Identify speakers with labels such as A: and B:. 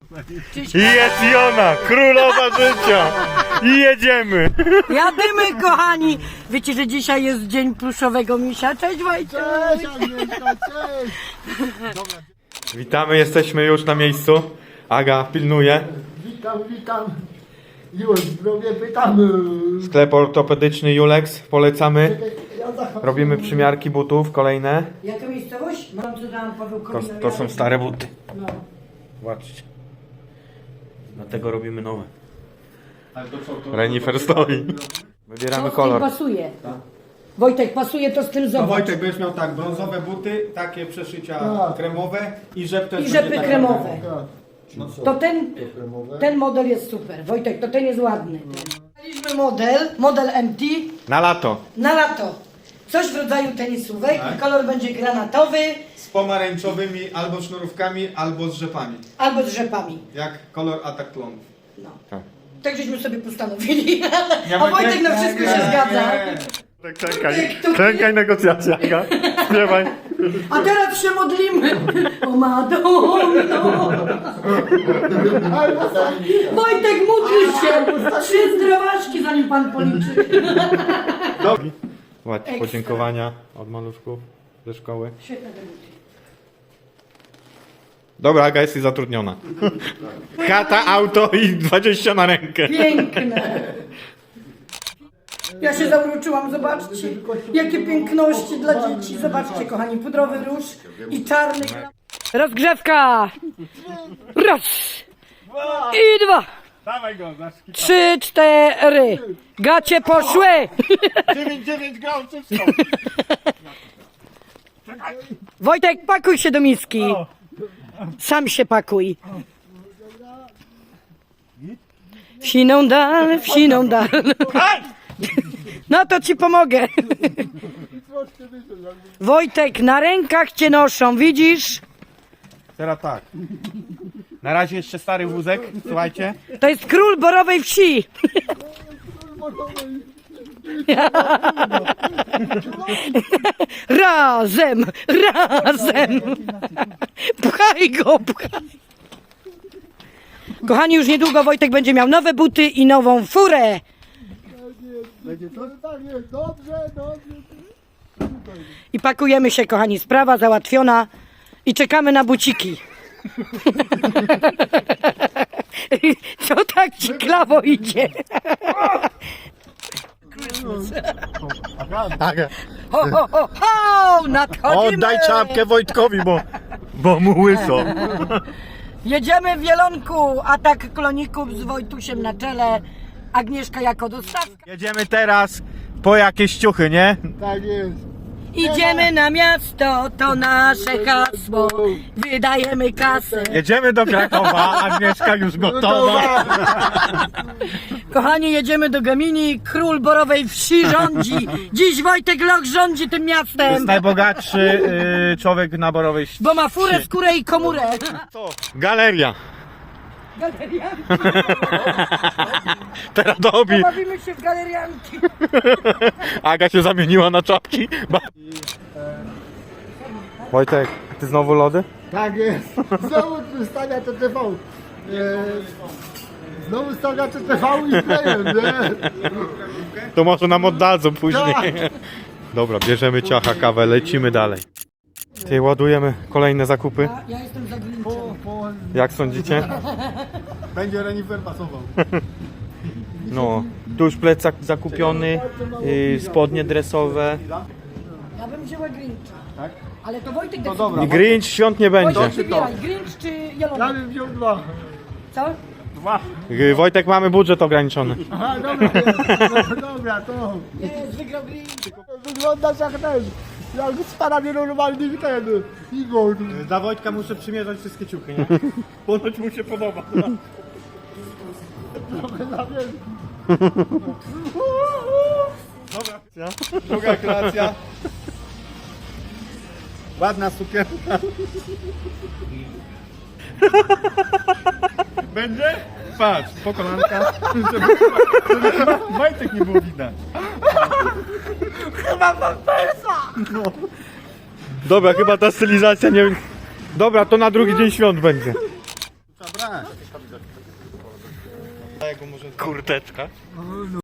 A: I jest i ona, królowa życia. I jedziemy.
B: Jadymy, kochani! Wiecie, że dzisiaj jest dzień pluszowego misia. Cześć, Wojciech!
C: Cześć Agnieszka, cześć!
A: Witamy, jesteśmy już na miejscu. Aga pilnuje.
C: Witam. Już zdrowie pytamy.
A: Sklep ortopedyczny Julex, polecamy. Robimy przymiarki butów, kolejne.
B: Jaka miejscowość? Mam co tam Paweł
A: To są stare buty.
B: No.
A: Zobaczcie. Dlatego robimy nowe. Renifer stoi. Wybieramy kolor.
B: pasuje. Wojtek, pasuje to styl,
D: No
B: zobacz.
D: Wojtek, będziesz miał tak, brązowe buty, takie przeszycia kremowe i rzep też
B: I
D: będzie
B: rzepy
D: taki-
B: kremowe.
D: No co?
B: To ten model jest super. Wojtek, to ten jest ładny. Mieliśmy model MT
A: Na lato.
B: na lato. Coś w rodzaju tenisówek i kolor będzie granatowy
D: Z pomarańczowymi albo sznurówkami, albo z rzepami.
B: albo z rzepami.
D: Jak kolor atak klonów.
B: No.
A: Tak.
B: Tak żeśmy sobie postanowili. A Wojtek na wszystko się zgadza.
A: Klękaj negocjacja, Aga. Śpiewaj.
B: A teraz się modlimy. O Madonno. Wojtek, módl się. 3 zdrowaczki, zanim pan policzy.
A: Ładnie,
B: Ekstra.
A: podziękowania od maluszków ze szkoły.
B: Świetne debuty.
A: Dobra, Aga, jesteś zatrudniona. Chata, auto i 20 na rękę.
B: Piękne. Ja się zauroczyłam, zobaczcie. Jakie piękności dla dzieci. Zobaczcie, kochani, pudrowy róż i czarny. Rozgrzewka. Raz. I 2.
A: Dawaj go,
B: 3, 4. Gacie poszły.
A: 9 grał, wszystko.
B: Wojtek, pakuj się do miski. Sam się pakuj. W siną dal. No to ci pomogę. Wojtek, na rękach cię noszą, widzisz?
A: Teraz tak. Na razie jeszcze stary wózek, słuchajcie.
B: To jest król Borowej Wsi. Razem. Pchaj go. Kochani, już niedługo Wojtek będzie miał nowe buty i nową furę.
C: Będzie to tak jest, dobrze.
B: I pakujemy się, kochani, sprawa załatwiona i czekamy na buciki. Co tak ci klawo idzie?
A: Aga,
B: Ho, nadchodzimy!
A: oddaj czapkę Wojtkowi, bo mu łyso.
B: Jedziemy w Wielonku, atak kloników z Wojtusiem na czele, Agnieszka jako dostawka.
A: Jedziemy teraz po jakieś ciuchy, nie?
C: Tak jest.
B: Idziemy na miasto, to nasze hasło, wydajemy kasę.
A: Jedziemy do Krakowa, Agnieszka już gotowa.
B: Kochani, jedziemy do Gemini, król Borowej Wsi rządzi. Dziś Wojtek Loch rządzi tym
A: To jest
B: miastem,
A: najbogatszy człowiek na Borowej Wsi.
B: bo ma furę, skórę i komórę.
A: Galeria.
B: Galeria.
A: Teraz dobi.
B: Bawimy się w galerianki.
A: Aga się zamieniła na czapki. Wojtek, ty znowu lody?
C: Tak jest. Znowu stawia to TV. Znowu stawia to TV i klejem, nie?
A: To może nam oddadzą później. Dobra, bierzemy ciacha, kawę, lecimy dalej. Ty, ładujemy kolejne zakupy.
B: Ja jestem za Grinchem.
A: Jak sądzicie?
D: Będzie renifer pasował.
A: No, tu już plecak zakupiony, spodnie dresowe.
B: Ja bym wzięła Grincha. Tak? Ale to Wojtek decyduje.
D: dobra.
A: I Grinch świąt nie będzie.
B: Wojtek, wybieraj, Grinch czy
C: Ja
B: Jelona?
C: bym wziął 2.
B: Co?
A: Wojtek, mamy budżet ograniczony.
C: Aha, dobra, to.
B: Jest, wygrał Grinch.
C: Wyglądasz jak ten. Jak z parami normalnymi ten. Igor.
D: Dla Wojtka muszę przymierzać wszystkie ciuchy, nie? Ponoć mu się podoba. Dobra, druga kreacja. Ładna sukienka. Będzie? Patrz, po kolanka, żeby Wojtek nie było widać.
A: Dobra, chyba ta stylizacja nie... Dobra, to na drugi dzień świąt będzie.
D: Trzeba brać.
A: Kurteczka.